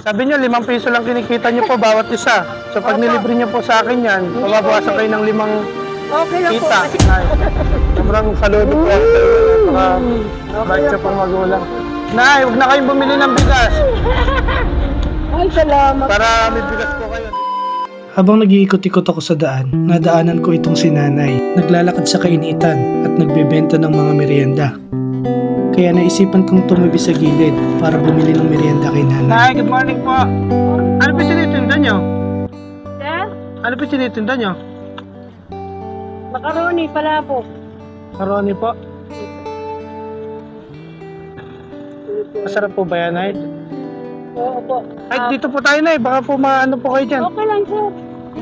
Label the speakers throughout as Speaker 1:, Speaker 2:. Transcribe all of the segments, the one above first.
Speaker 1: Sabi niyo, 5 piso lang kinikita niyo po bawat isa. So pag nilibre niyo po sa akin yan, mababawasan kayo ng 5
Speaker 2: Okay lang po.
Speaker 1: kita.
Speaker 2: Kasi
Speaker 1: Ay, sobrang saludo po. Bait siya pong magulang. Nay, huwag na kayong bumili ng bigas.
Speaker 2: ay, salamat.
Speaker 1: Para may bigas po kayo.
Speaker 3: Habang nag-iikot-ikot ako sa daan, nadaanan ko itong si nanay. Naglalakad sa kainitan at nagbebenta ng mga merienda. Kaya naisipan kong tumabi sa gilid para bumili ng merienda kay nanay.
Speaker 1: Nay, good morning po. Ano po tinitinda niyo?
Speaker 2: Sir,
Speaker 1: Ano po tinitinda niyo?
Speaker 2: macaroni pala po.
Speaker 1: Karoni po. Masarap po ba yan, Nay?
Speaker 2: Oo po.
Speaker 1: Ay, dito po tayo, Nay. Baka po maano po kayo dyan.
Speaker 2: Okay lang, sir.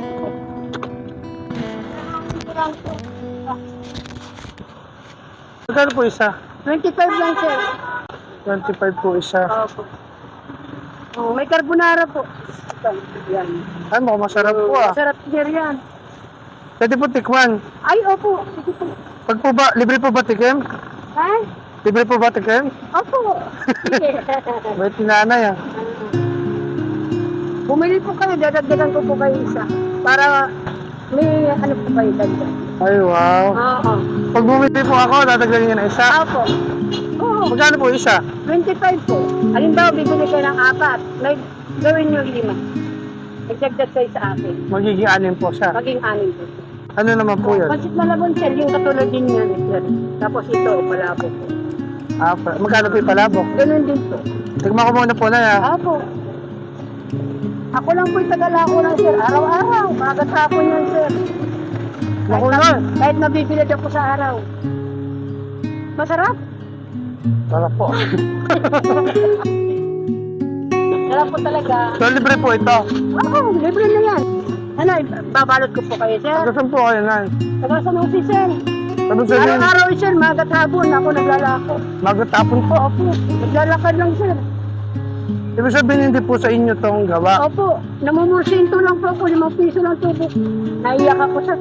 Speaker 2: Okay lang po.
Speaker 1: Magkano po isa?
Speaker 2: 25 lang, sir.
Speaker 1: 25 po isa.
Speaker 2: Opo. Oh, may carbonara po. Yan.
Speaker 1: Ay, mukhang masarap po ah.
Speaker 2: Sarap sir yan.
Speaker 1: Pwede po tikman.
Speaker 2: Ay, opo. Sige po.
Speaker 1: Pag po ba, libre po ba tikim?
Speaker 2: Ay,
Speaker 1: Libre po ba tikim?
Speaker 2: opo. Sige.
Speaker 1: Bait ni nanay ah.
Speaker 2: Bumili po kayo, dadagdagan ko po kayo isa. Para may ano po kayo dagdag.
Speaker 1: Ay, wow.
Speaker 2: Oo.
Speaker 1: Pag bumili po ako, dadagdagan niyo na isa.
Speaker 2: Opo. Oo.
Speaker 1: Magkano po isa?
Speaker 2: 25 po. Halimbawa, bibili kayo ng 4. May gawin nyo 5. Nagdagdag kayo sa akin.
Speaker 1: Magiging 6 po siya.
Speaker 2: Maging 6 po.
Speaker 1: Ano naman po yun?
Speaker 2: Pansit malabon sir, yung katulad din yan. Sir. Tapos ito, palabo po.
Speaker 1: Ah, magkano po yung palabok?
Speaker 2: Ganun din po.
Speaker 1: Tignan ko muna po na ah.
Speaker 2: Apo. Ako lang po yung tagalako lang sir. Araw-araw. Magat hapon yan sir.
Speaker 1: Naku na.
Speaker 2: Kahit nabibilad ako sa araw. Masarap.
Speaker 1: Sarap po.
Speaker 2: Sarap po talaga.
Speaker 1: So, libre po ito.
Speaker 2: Oo, libre na yan. Ano, babalot ko po kayo sir.
Speaker 1: Tagasan po kayo, Nay.
Speaker 2: Taga sa mga si sir.
Speaker 1: Sabi sa inyo,
Speaker 2: Araw-araw sir, magat hapon. Ako naglalako.
Speaker 1: magatapon po.
Speaker 2: Opo, naglalakad lang sir.
Speaker 1: Ibig sabihin, hindi po sa inyo tong gawa.
Speaker 2: Opo, namumursinto lang po ako. 5 piso lang tubo. Naiyak ako sir.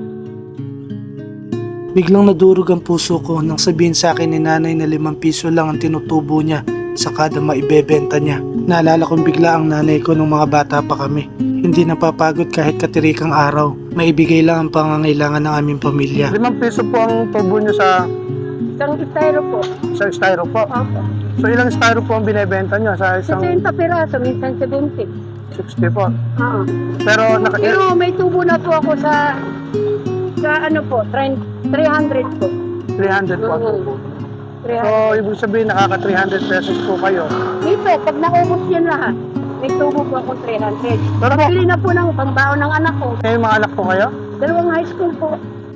Speaker 3: Biglang nadurog ang puso ko nang sabihin sa akin ni nanay na 5 piso lang ang tinutubo niya sa kada maibebenta niya. Naalala kong bigla ang nanay ko nung mga bata pa kami. Hindi napapagod kahit katirikang araw. Maibigay lang ang pangangailangan ng aming pamilya.
Speaker 1: 5 piso po ang tubo nyo sa
Speaker 2: Isang styro po.
Speaker 1: styro po.
Speaker 2: Opo.
Speaker 1: So ilang styro po ang binibenta nyo sa isang
Speaker 2: 60 piraso, minsan 70.
Speaker 1: 60 po.
Speaker 2: Oo.
Speaker 1: Pero
Speaker 2: Pero may tubo na po ako sa ano po, 300 po.
Speaker 1: 300 po ang tubo.
Speaker 2: 300.
Speaker 1: So ibig sabihin nakaka 300 pesos po kayo.
Speaker 2: Dito, pag naubos yan lahat, may tubo po ako 300.
Speaker 1: Pero po,
Speaker 2: Pili na po ng pambaon ng anak ko.
Speaker 1: kayo mga anak po kayo?
Speaker 2: 2 high school po.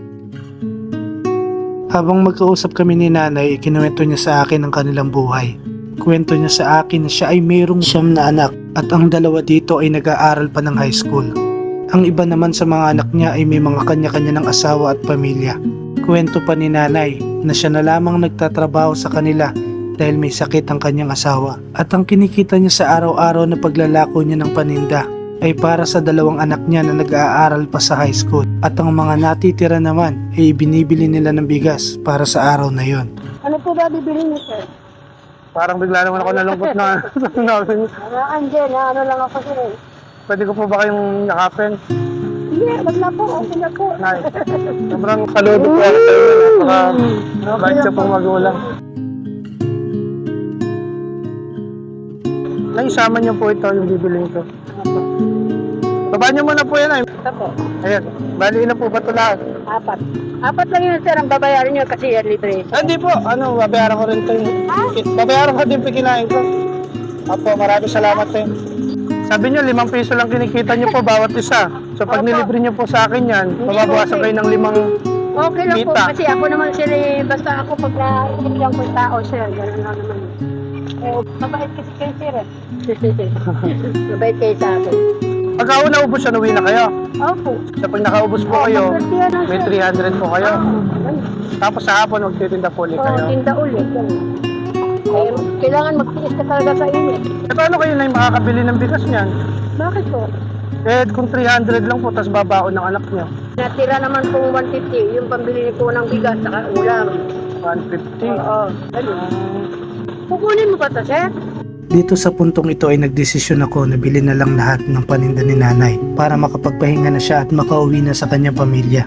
Speaker 3: Habang magkausap kami ni nanay, ikinuwento niya sa akin ang kanilang buhay. Kwento niya sa akin na siya ay mayroong 9 na anak at ang 2 dito ay nag-aaral pa ng high school. Ang iba naman sa mga anak niya ay may mga kanya-kanya ng asawa at pamilya. Kwento pa ni nanay na siya na lamang nagtatrabaho sa kanila dahil may sakit ang kanyang asawa. At ang kinikita niya sa araw-araw na paglalako niya ng paninda ay para sa 2 anak niya na nag-aaral pa sa high school. At ang mga natitira naman ay binibili nila ng bigas para sa araw na yon.
Speaker 2: Ano po ba bibili niyo, sir?
Speaker 1: Parang bigla naman ako nalungkot na
Speaker 2: Andyan, ano lang ako sir.
Speaker 1: pwede ko po ba kayong yakapin?
Speaker 2: Hindi, wag na po, okay na po.
Speaker 1: Nay, sobrang saludo po ako sa inyo. Napaka-bait siya pong magulang. Nay, isama niyo po ito yung bibiling ko. Baba niyo muna po yan ay.
Speaker 2: Ito po,
Speaker 1: Ayan, bali na po ba ito lahat?
Speaker 2: 4. 4 lang yun sir, ang babayaran niyo kasi yearly rate.
Speaker 1: Ah, hindi po, babayaran ko rin ito. Babayaran ko din po kinain ko. Apo, maraming salamat eh. Sabi niyo, 5 piso lang kinikita niyo po bawat isa. So pag
Speaker 2: Opo.
Speaker 1: nilibre niyo po sa akin yan, mababawasan kayo ng 5.
Speaker 2: Okay lang po,
Speaker 1: Kita.
Speaker 2: kasi ako naman sir eh, basta ako pag naibigyan ko yung tao sir, gano'n lang naman. Mabait kasi kayo sir eh. Mabait kayo sa akin.
Speaker 1: Pagka naubos siya, uwi na kayo.
Speaker 2: Opo.
Speaker 1: So pag nakaubos po kayo,
Speaker 2: Maswerte yan,
Speaker 1: may
Speaker 2: sir.
Speaker 1: 300 po kayo.
Speaker 2: Ayun.
Speaker 1: Tapos sa hapon, magtitinda po ulit
Speaker 2: Oo,
Speaker 1: kayo.
Speaker 2: tinda ulit. Eh, kailangan magtiis ka talaga sa init.
Speaker 1: E paano kayo na yung makakabili ng bigas niyan?
Speaker 2: Bakit po?
Speaker 1: Eh kung 300 lang po, tapos babaon ng anak niyo.
Speaker 2: Natira naman pong 150, yung pambili ko ng bigas saka ulam.
Speaker 1: 150.
Speaker 2: Oo, ano? Kukunin mo pa to, sir?
Speaker 3: Dito sa puntong ito ay nagdesisyon ako na bilhin na lang lahat ng paninda ni nanay para makapagpahinga na siya at makauwi na sa kanyang pamilya.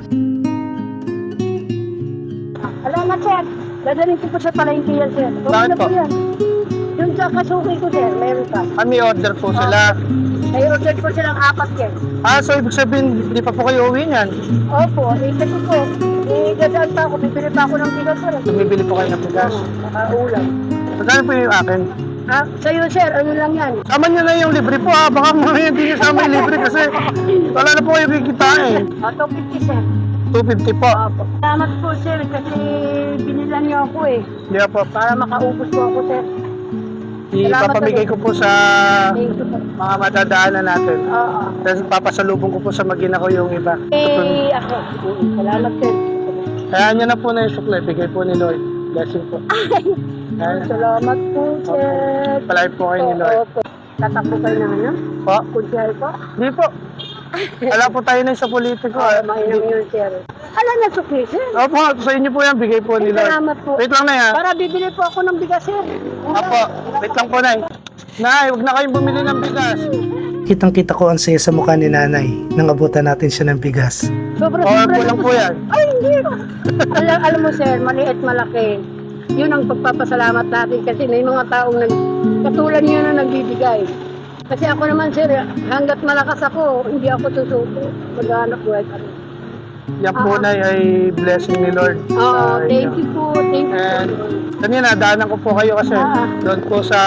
Speaker 2: Salamat, sir. Dadalhin ko po sa palengke yan, sir.
Speaker 1: Bakit po?
Speaker 2: Yan. Yung sa kasuki ko, sir, meron pa.
Speaker 1: May order po sila.
Speaker 2: May order po silang 4 yan.
Speaker 1: So ibig sabihin, di pa po kayo uwi niyan?
Speaker 2: Opo, kasi po, dadaan pa ako, bibili pa ako ng bigas, sir.
Speaker 1: Bumibili po kayo ng bigas.
Speaker 2: Nakaulam.
Speaker 1: Magkano po yung akin?
Speaker 2: Sa'yo, sir, ano lang yan?
Speaker 1: Sama niyo na yung libre po baka mamaya hindi niyo sama yung libre kasi wala na po kayo kikitain.
Speaker 2: 250, sir.
Speaker 1: 250 po.
Speaker 2: Opo. Salamat po, sir, kasi binilan niyo ako eh.
Speaker 1: Hindi po.
Speaker 2: Para makaubos po ako, sir.
Speaker 1: Ipapamigay ko po sa
Speaker 2: Thank you po.
Speaker 1: mga madadaanan natin.
Speaker 2: Oo.
Speaker 1: Tapos papasalubong ko po sa magina ko yung iba.
Speaker 2: Ako. Salamat, sir.
Speaker 1: Kaya niya na po na yung sukle. Bigay po ni Lord. Blessing po. Kaya,
Speaker 2: Salamat po, sir.
Speaker 1: palay po kayo ni Lord.
Speaker 2: Opo. Tatakbo kayo na ano?
Speaker 1: Po?
Speaker 2: Kunsihal po?
Speaker 1: Hindi po. Wala po tayo na sa politiko.
Speaker 2: Mainam yun, sir. Alam na, sukli, sir.
Speaker 1: Opo, sa inyo po yan. Bigay po ni Lord.
Speaker 2: Salamat po.
Speaker 1: Wait lang na yan.
Speaker 2: Para bibili po ako ng bigas, sir.
Speaker 1: Opo, wait lang po, Nay. Nay, huwag na kayong bumili ng bigas.
Speaker 3: Kitang-kita ko ang saya sa mukha ni nanay nang abutan natin siya ng bigas.
Speaker 2: Sobra
Speaker 1: Or po lang po yan.
Speaker 2: Ay, hindi. alam mo, sir, maliit malaki. Yun ang pagpapasalamat natin kasi may mga taong katulad niyo na nagbibigay. Kasi ako naman, sir, hanggat malakas ako, hindi ako susuko. Mag-anak buhay kami.
Speaker 1: Yan po, Nay, ay blessing ni Lord.
Speaker 2: Oo,
Speaker 1: sa
Speaker 2: thank
Speaker 1: inyo.
Speaker 2: you po. Thank you
Speaker 1: And
Speaker 2: po.
Speaker 1: kanina, daanan ko po kayo kasi doon po sa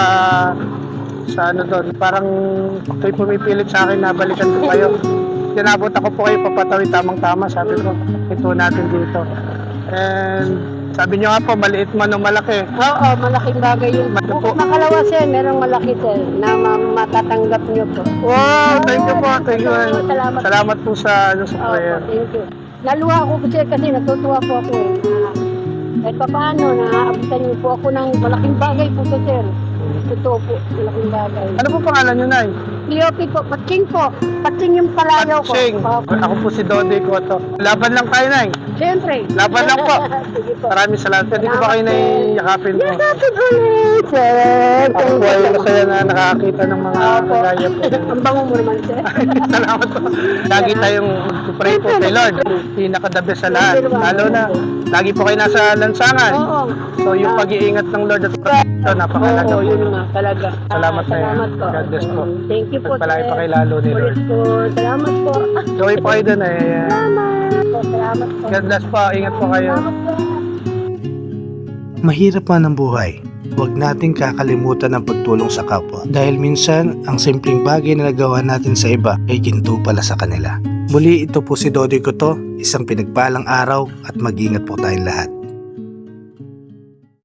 Speaker 1: ano doon. Parang kayo pumipilit sa akin na balikan ko kayo. Tinabot ako po kayo papatawid tamang-tama. Sabi ko, ito natin dito. And sabi nyo nga po, maliit man o malaki.
Speaker 2: Oo, malaking bagay yun.
Speaker 1: Malaki po.
Speaker 2: Bukod makalawa, sir, merong malaki, sir, na matatanggap niyo po.
Speaker 1: Wow, thank you po. Thank you.
Speaker 2: Salamat.
Speaker 1: Salamat po sa prayer.
Speaker 2: Opo, thank you. Naluha ako sir kasi natutuwa po ako eh. Kahit pa paano, naaabutan niyo po ako ng malaking bagay po to, sir. Totoo po, malaking bagay.
Speaker 1: Ano po pangalan nyo, Nay?
Speaker 2: Leopi po, Patsing po. Patsing yung palayaw ko.
Speaker 1: Patsing.
Speaker 2: Opo.
Speaker 1: Ako po si Dode Cotto. Laban lang tayo, Nay.
Speaker 2: Siyempre.
Speaker 1: Laban lang po.
Speaker 2: Sige po.
Speaker 1: Maraming salamat. Pwede ko ba kayo naiyakapin po?
Speaker 2: Yakapin ulit, sir.
Speaker 1: Ako po ay masaya na nakakita ng mga
Speaker 2: Opo.
Speaker 1: kagaya po.
Speaker 2: Ang bango mo naman, sir.
Speaker 1: Salamat po. Lagi tayong pray po kay Lord. Pinaka-the best sa lahat. Lalo na, lagi po kayo nasa lansangan.
Speaker 2: Oo.
Speaker 1: So yung pag-iingat ng Lord at protection, napakalaga
Speaker 2: Oo,
Speaker 1: po.
Speaker 2: yun nga, talaga.
Speaker 1: Salamat tayo.
Speaker 2: Salamat po.
Speaker 1: God bless po.
Speaker 2: Thank you po,
Speaker 1: Pagpalain pa
Speaker 2: sir.
Speaker 1: kay lalo ni Lord.
Speaker 2: Ulit po. Salamat po.
Speaker 1: Joy po kayo dun eh.
Speaker 2: Salamat po. Salamat po.
Speaker 1: God bless po. Ingat po kayo.
Speaker 2: Salamat po.
Speaker 3: Mahirap man ang buhay. Huwag nating kakalimutan ang pagtulong sa kapwa. Dahil minsan, ang simpleng bagay na nagawa natin sa iba ay ginto pala sa kanila. Muli, ito po si Dodi Cotto, isang pinagpalang araw at mag-ingat po tayong lahat.